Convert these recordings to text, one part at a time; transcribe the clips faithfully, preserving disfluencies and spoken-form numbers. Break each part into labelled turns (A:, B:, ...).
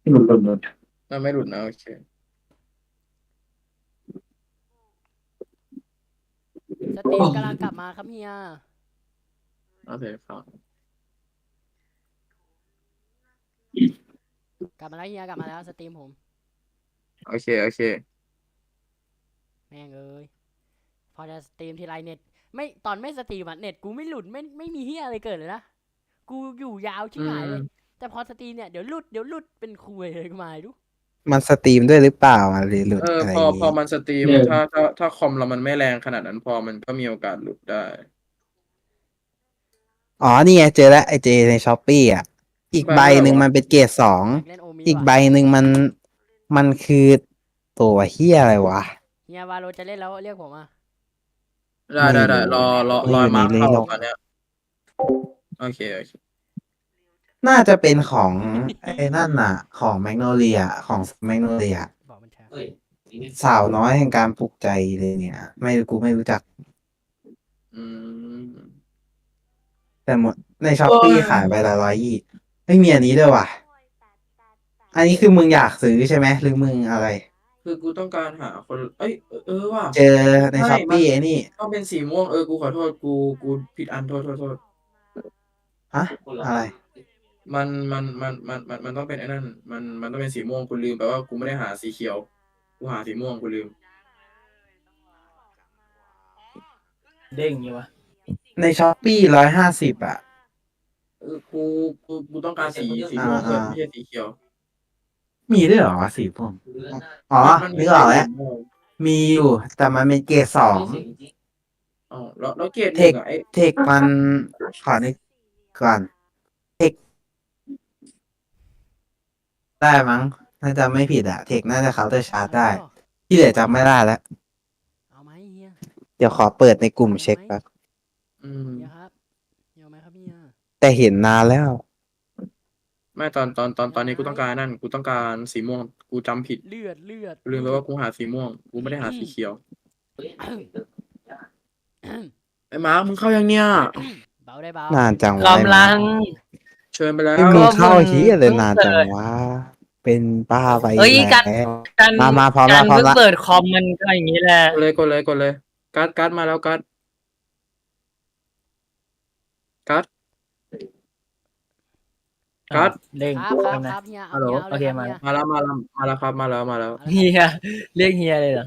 A: หลุดหลุดหลุด
B: น่าไม่หลุดนะโอเค
C: สตรีมกำลังกลับมาครับเฮีย
B: โอเคครับ
C: กลับมาแล้วเฮียกลับมาแล้วสตรีมผม
B: โอเคโอเค
C: แม่งเอ้ยพอจะสตรีมทีไรเน็ตไม่ตอนไม่สตรีมอะเน็ตกูไม่หลุดไม่ไม่มีเฮียอะไรเกิดเลยนะกูอยู่ยาวชิบ
B: อื
C: หายเลย
B: ม
C: แต่พอสตรีมเนี่ยเดี๋ยวหลุดเดี๋ยวหลุดเป็นคุยเลยกูมาดู
D: มันสตรีมด้วยหรือเปล่าอะหรือหลุ
B: เออ
D: ดอะไร
B: พอ
D: อย่างงี้
B: พอมันสตรีมถ้าถ้าถ้าคอมเรามันไม่แรงขนาดนั้นพอมันก็มีโอกาสหลุดได้
D: อ๋อนี่ไงเจอแล้วไอเจในช้อปปี้อ่ะอีกใบ
B: ใบเท่าไหร่วะ
D: หนึ่งมันเป็นเกรดสอง
C: อยากเล่นโอมิ
D: อีก
C: ว่ะ
D: ใบหนึ่งมันมันคือตัวเฮียอะไรวะ
C: เฮียวาโลจะเล่นแล้วเรียกผมอ่ะ
B: ได้
D: ไม่
B: ได้ได้ร
D: รู้
B: อรอรอ
D: ไม่อยู่ใน
B: มาร์คเข้า
D: เลโลก
B: ตอนเนี้ยโอเคโอเค
D: น่าจะเป็นของไอ้นั่นน่ะ ของแมกโนเลียของแมกโนเลีย
C: บอกมันแชร์
D: สาวน้อยแห่งการปลุกใจเลยเนี่ย ไม่กูไม่รู้จัก
B: อืม
D: แต่หมดในช้อป
B: โอ้
D: ปี้
B: ย
D: ขายใบละร้อยยี่ไม่มีอันนี้ด้วยว่ะ อันนี้คือมึงอยากซื้อใช่ไหมหรือมึงอะไร
B: คือกูต้องการหาคนเอ้ยเออเออว่ะ
D: เจอใน
B: ใช่
D: ช้อป
B: มัน
D: ปี้ไอ้นี่
B: ต้องเป็นสีม่วงเออกูขอโทษกูกูผิดอันโทษโทษโทษ
D: ฮะอะไร
B: มันมันมันมันมันมันต้องเป็นไอ้นั่นมันมันต้องเป็นสีม่วงกูลืมแปลว่ากูไม่ได้หาสีเขียวกูหาสีม่วงกูลืม
A: เด้งอยู่วะ
D: ในช้อปปี้ร้อยห้าสิบอ่ะ
B: เออกูกูกูต้องการสีสี
D: อ่า
B: ม่วงเพื่
D: อ่า
B: อนไม่ใช่สีเขียว
D: มีด้วยเหรอสีพวกอ๋อ
B: มันมัน
D: นึ
B: มีให้
D: กออกแล้ว
B: สีม่วง
D: มีอยู่ แต่มันเป็นเกรดสอง
B: อ๋อแล้วแล้วเกรดห
D: เทค
B: นึ่งอ่ะไอ้
D: เทคมันขอนึกก่อนเทคได้มั้งน่าจะไม่ผิดอะเทคน่าจะเคาน์เตอร์ชาร์จได้
C: เอา
D: ที่เหลือจำไม่ได้แล้ว
C: เอาไหมเฮีย
D: เดี๋ยวขอเปิดในกลุ่ม
C: เอาไหม
D: เช็คแป๊บ
B: อืม
C: เฮียครับเฮียเอาไหมครับเฮีย
D: แต่เห็นนานแล้ว
B: ไม่ตอนตอนตอนตอนนี้กูต้องการนั่นกูต้องการสีม่วงกูจำผิด
C: เลือดเลือด
B: กูลืมไปว่ากูหาสีม่วงกูไม่ได้หาสีเขียวไอ้มาร์คมึงเข้ายังเนี่ย
C: เบาได้เบาน
D: านจังวะ
A: กำลัง
B: เชิญไปแล้
D: ไอ้
B: ว
D: มึง
A: ก็
D: เข้า
A: มึง
D: เฮียเลย
A: เพิ่ง
D: นานจัง
A: เปิด
D: วะ เป็นป้าไป
A: เอ้ย
D: แล้
A: การ
D: ว
A: การ
D: มามาพร้อม
A: กา
D: ละ
A: ร
D: พร้อม
A: เพิ่ง
D: ละ
A: เปิดคอมมันก็อย่างนี้แหละ
B: กดเลยกดเลยกดเลยการ์ดการ์ดมาแล้วการ์ดการ์ดการ์ด
A: เด้ง
C: ครับครับ
A: ทำนะครับ
C: เฮีย
A: ฮั
C: เอา
A: ลโหล
C: เฮียเอา
A: โอ
C: เลย
A: เค
C: ครับ
A: มา
C: เฮีย
B: มาแล้วมาแล้วมาแล้วครับมาแล้วมาแล้ว
C: เอาเลย
A: เฮี
C: ครับ
A: ยเรียกเฮียเลยเหรอ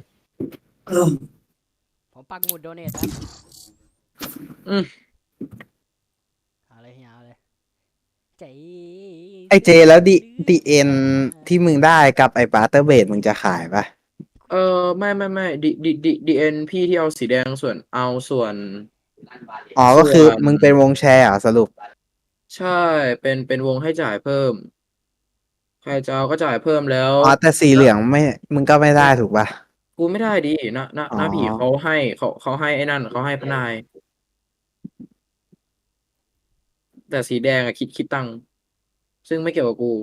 C: ผมปักหมุดโดเนทครับ
B: อืม
C: เอาเลยเฮียเอาเลยใจ
D: ไอเจแล้วดีดีเอ็นที่มึงได้กับไอปาเตอร์เบดมึงจะขายปะ
B: เออไม่ไม่ไม่ดีดีดีดีเอ็นพี่ที่เอาสีแดงส่วนเอาส่วน
D: อ๋อก็คือมึงเป็นวงแชร์เหรอสรุป
B: ใช่เป็นเป็นวงให้จ่ายเพิ่ม ใครจะเอาก็จ่ายเพิ่มแล้ว
D: อ๋อแต่สีเหลืองไม่ มึงก็ไม่ได้ถูกปะ
B: กูไม่ได้ดินะนะ
D: อ๋อ
B: นะผีเขาให้เขาเขาให้ไอ้นั่นเขาให้พนาย แต่สีแดงอะคิดคิดตังค์ซึ่งไม่เกี่ยวกับกู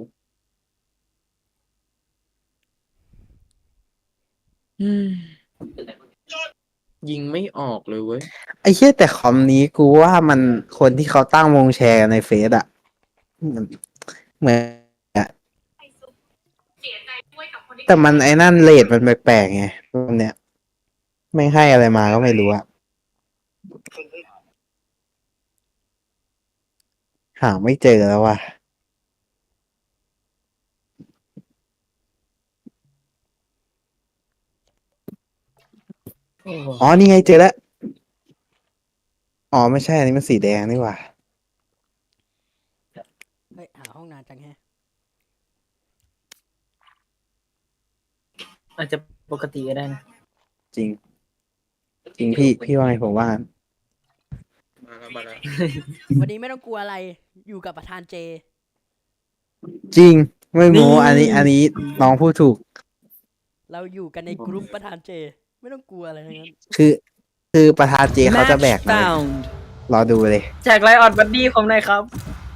B: อืมยิงไม่ออกเลยเว้ย
D: ไอ้เหี้ยแต่คอมนี้กูว่ามันคนที่เขาตั้งวงแชร์ในเฟซอะมันเหมือนอะแต่มันไอ้นั่นเรทมันแปลกๆไงตรงเนี้ยไม่ให้อะไรมาก็ไม่รู้อะหาไม่เจอแล้วว่ะอ๋อนี่ไงเจอแล้วอ๋อไม่ใช่อันนี้มันสีแดงนี่หว่า
C: เฮ้ยหาห้องนานจังแฮะ
A: อาจจะปกติก็ได้นะ
D: จริง จริงพี่พี่ว่าไงผมว่า
B: มาแล้วมาแล้ว
C: วันนี้ไม่ต้องกลัวอะไรอยู่กับประธานเจ
D: จริง ไม่โม้อันนี้ อันนี้น้องพูดถูก
C: เราอยู่กันในกลุ่มประธานเจ ไม่ต้องกลัวอะไรทั้งนั้น
D: คือ คือประธานเจเขาจะแบกเลยรอดูเลย
A: แจกไลออดบัดดี้ผมหน่อยครับ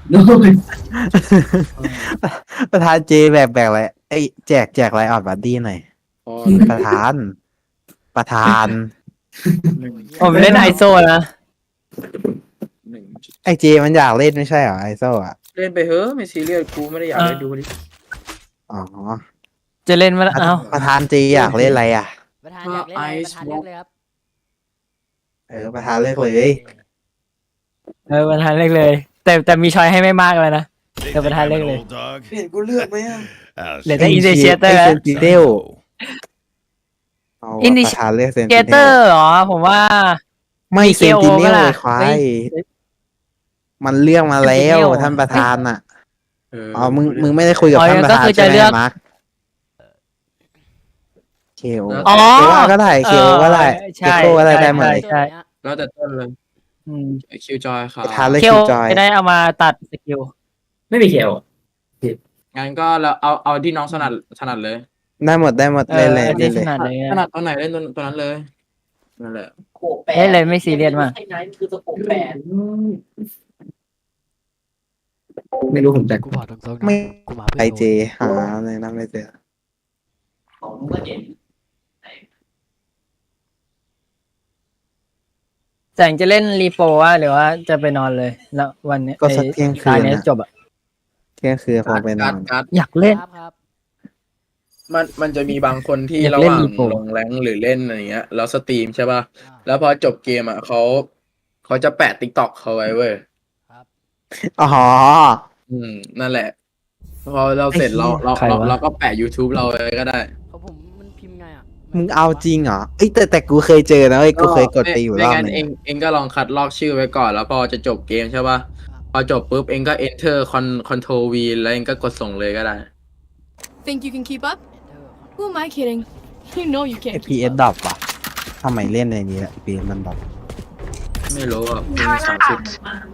D: ประธานเจแบกแบกอะไรเอ้ยแจกแจกไลออดบัดดี้หน่อย
B: พอ
D: ประธาน ประธาน
B: หนึ่ง
A: ผมเล่นไอโซนะ
B: หนึ่ง
D: ไอเจมันอยากเล่นไม่ใช่เหรอไอโซ่อะ
B: เล่นไปเฮ้อะไม่ซีเรียสกูไม่ได้อยาก
A: เออ
B: เล่นดูดิ
D: อ๋อ
A: จะเล่นมาแล้วเอ้า
D: ประธานจีอยากเล่นอะไรอ่ะ
C: ประธานอยากเล่นอะไรประธานเลือกเลยครับ
D: เออประธานเลือกเลย
A: เออประธานเล่นเลย แต่แต่มีชอยให้ไม่มากเลยนะ
E: Think
A: Yeah, but
E: I'm
A: how
E: an
A: lately?
E: old dog?
B: เห็นกูเลือกไหมอ่ะ
E: I'll
A: เหลือ
E: show
A: แต่
E: you.
A: อินเดเชียเตอร์
D: เซนติเดล
E: Oh.
D: เอา
A: อินดิ
D: ประธานเลือกเซน
A: เก
D: ติเด
A: เตอ
D: ล
A: ร์เหรอ ผมว่า
D: ไม่
A: มี
D: เซนติเน
A: เค โอ
D: ล
A: ปะล่ะ
D: เลยควา
A: เฮ้
D: ย
A: ย
D: มันเลือกมาแล้ว
A: Sentinel
D: ท่านประธานอ่ะ
B: เออ
D: อ๋อมึงมึงไม่ได้คุยกับ
A: อ๋อ
D: ท่านประธาน
A: ก็คือ
D: ใช่ไห
A: จะเลื
D: ม
A: อก
D: มาร์คเคโอ
A: อ๋อ
D: ว่าก็ได้เคโอก็ได้
A: ใช่
D: เอโคก็ได้ได้หมด
A: ใช่
D: เลย
A: ใช่
B: แล้วแต่ต้นเลย
A: อืม
B: คิวจอยครั
D: ประธาน
B: บ
D: เลือก
A: เค
D: คิ
A: โอ
D: วจอย
A: จะได้เอามาตัดสกิล
F: ไม่มีเขียว
B: งั้นก็เราเอาเอาที่น้องถนัดถนัดเลย
D: ได้หมดได้หมด
A: เอ
D: เล่น
A: อ
D: เลย
A: อัน
D: เล่
A: นี้
D: นเล
A: ถ
D: ย
A: นัดเลย
B: ถนัดตอนไหนเล่นตัวตัวนั้นเลยนั่นแหละ
A: เล่นเลยไม่ซีเรียสมาก
F: ไอ้ไนท์คือสโคปแปดไม่รู้ผมแต่
C: กูบอกตรงๆนะ
D: ไม่
C: กูมา
D: ไอ
C: เพื่อ
D: เจหาในนั้นไม่เจอ
F: ของมึงก็เห็น
A: แสงจะเล่นรีโปรวะหรือว่าจะไปนอนเลยแล้ววันนี้
D: ก็สักเที่ยงคื
A: ตาน เนี้ย
D: นะ
A: จบอ่ะ
D: เที่ยงคืนคงไปน
B: กา
D: อ
B: ร์ด
D: น
B: การ์ด
A: อยากเล่น
C: ครับครับ
B: มันมันจะมีบางคนที่
A: อยาก
B: ระห
A: เล่น
B: ว่าง
A: รีโปร
B: ลงแรงค์หรือเล่นอะไรเงี้ยแล้วสตรีมใช่ป่ะ
C: อ่า
B: แล้วพอจบเกมอ่ะเขาเขาจะแปะติ๊กต็อกเขาไว้เว้ย
C: ครับ
D: อ๋อ
B: อืมนั่นแหละ พอเราเสร็จเราเรา
A: ใคร
B: เรา
A: วะ
B: เราก็แปะ YouTube เราไว้ก็ได้
C: ของผมมันพิมพ์ไงอ่ะ
D: มึงเอาจริงเหรอเอ้ยแต่แต่กูเคยเจอนะเว้ยกูเคยกดไปอยู่ร
B: ไม่
D: อบ
B: งั้น
D: หนึง
B: เองเองก็ลองคัดลอกชื่อไว้ก่อน แล้วพอจะจบเกมใช่ป่ะ พอจบปุ๊บเองก็ enter control V แล้วเองก็กดส่งเลยก็ได้
G: Think you can keep up?
C: เออ
G: Who am I kidding? You know you
D: เอ
G: can't
D: พี
G: keep
D: เอส
G: up.
D: ดรอปว่ะทำไมเล่นในนี้ละพีเอสมันดรอป
B: ไม่รู้อ่ะมีสามสิบ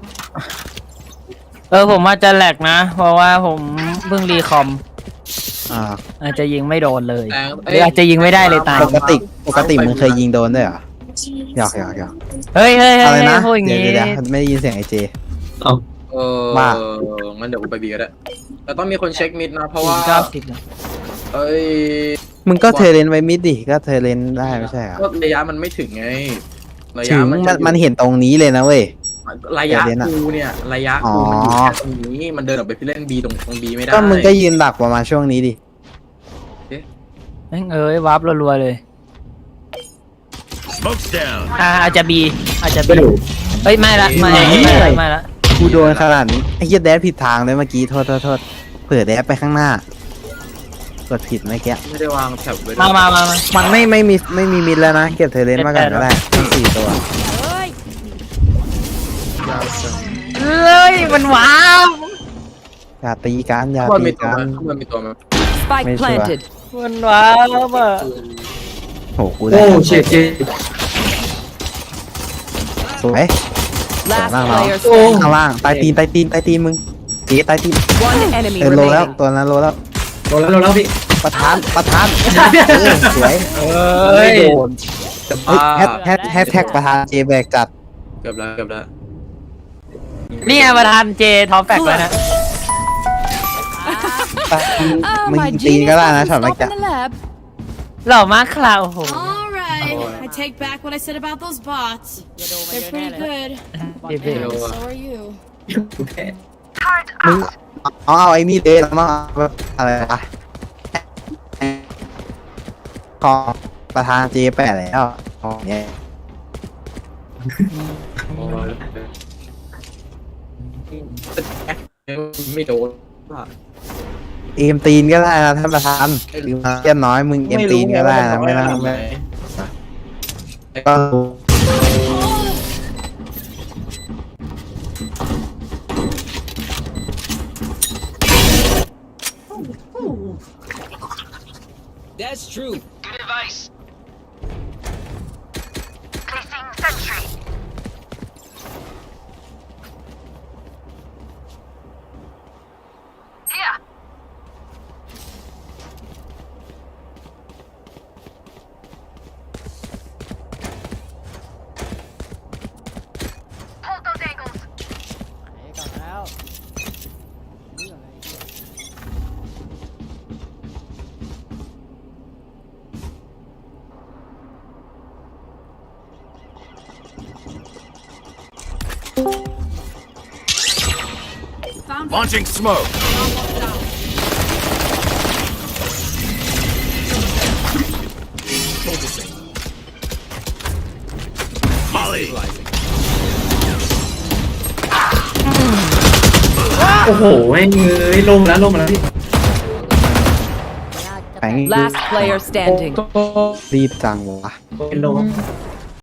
A: เออผมว่าจะแหลกนะ เพราะว่าผมเพิ่งรีคอม
D: อ่า
A: อาจจะยิงไม่โดนเลย
B: แรง
A: หรืออาจจะยิงไม่ได้เลยตาย
D: ปกติปกติมึงเคยยิงโดนด้วยเหรอหยอกหยอกหยอก
A: เฮ้ยเฮ้ยเฮ้
D: อะไร
A: ย
D: นะ
A: พูดอย่าง
D: เดี๋ยว
A: งี้
D: เดี๋ยวเดี๋ยวไม่ได้ยินเสียงไอเจ
B: เออ
D: ว่า
B: งั้นเดี๋ยวกูไปบีก็ได้แต่ต้องมีคนเช็คมิดนะ เพราะว่า
A: เก้าสิบนะ
B: เอ้ย
D: มึงก็เทเลนไว้มิดดิก็เทเลนได้ไม่ใช่เหรอ
B: ก็ระยะมันไม่ถึงไง ระ
D: ถึ
B: ยะ
D: ง
B: มัน
D: มัน
B: จะอยู่
D: มันเห็นตรงนี้เลยนะเว้ย
B: ระยะ
D: เดี๋ยวนะ
B: กูเนี่ย ระยะ
D: อ๋อ
B: กูมันอยู่แค่ตรงนี้ มันเดินออกไปเล่นบีตรงตรงบีไม่ได้
D: ก็มึงก็ยืนดักประมาณช่วงนี้ดิ
A: แม่งเอ้ยวาร์ปรัวๆเลย
E: Smoke's down.
A: อ่าอาจจะบีอาจจะ
F: ไม่
A: บี
F: รู้
A: เฮ้ยไม่ละไม่ละไม่ละไม่ละ
D: กูโดนขนาดนี้ไอ้เหี้ยแดดผิดทางเลยเมื่อกี้โทษโทษโทษเผื่อแดดไปข้างหน้ากดผิดเมื่อกี้
B: ไม่ได้วางแถบไว้ด้วย
A: มามามามา
D: มันไม่ไม่มีไม่มีมิดแล้วนะ เก็บเทเลนมาก่อนก็ได้ทั้งสี่ตัว
C: เฮ้ย
A: เฮ้ยมันว้าว
D: อย่าตีกันอย่า
B: ข้างบน
D: ตี
B: มีตัว
D: กัน
B: มั้ยข้างบนมีตัวมั้ย
G: Spike
D: Make sure.
G: planted.
A: มันว้าวอ่ะ
D: โหกูได้
F: โอ้เช็ดเช็ด
D: สวย
G: Last
D: Wow.
G: player
F: โอ้
G: standing.
D: ข้างล่างใต้ตีนใต้ตีนใต้ตีนมึงเจ๊ใต้ตีน
G: One enemy
D: เออโลแล้ว
G: remaining.
D: ตัวนั้นโลแล้ว
F: โดนแล้วโดนแล้วพี่
D: ประธานประธานเออสวย
A: เฮ้ย
D: โดนเฮ้ยแฮชแฮชแฮชแท็กประธานเจแบกจัด
B: เกือบแล้วเกือบแล้ว
A: นี่ไงประธานเจท็อปแฟกแล้วนะ
G: Oh,
D: มึง
G: my
D: ตีน
G: genius
D: ก็ได้นะ
G: doesn't
D: ช็อตเมื่อ
G: stop
D: กี้
G: in the lab.
A: หล่อมากคราวโอ้โห
G: All right. I take back what I said about those bots.
C: อย่าโดนมา
G: They're
C: เยอะแน่
G: pretty
C: เลย
G: good.
C: บอล
A: เย้
C: แน่
A: ๆ
G: And so are you.
D: มึงเอาเอาไอ้นี่เลยแล้วมาอะไรอะขอประธานเจแปดแล้วเอาเนี่ย
B: ไม่โดน
D: เอมตีนก็ได้นะท่านประธานคือมาเทียนน้อยมึงเอมตีนก็ได้นะไม่ต้องไม่ก็
C: เฮ้ยกลับมาแล้วนี่อะไรเนี่ย
E: Launching smoke.
F: โอ้โหแม่งเอ้ยลงแล้วลงมาแล้วพี่
C: น่าจะ
D: แข็ง
C: แตก
E: Last player standing.
D: รีบจังวะ
F: เป็นลง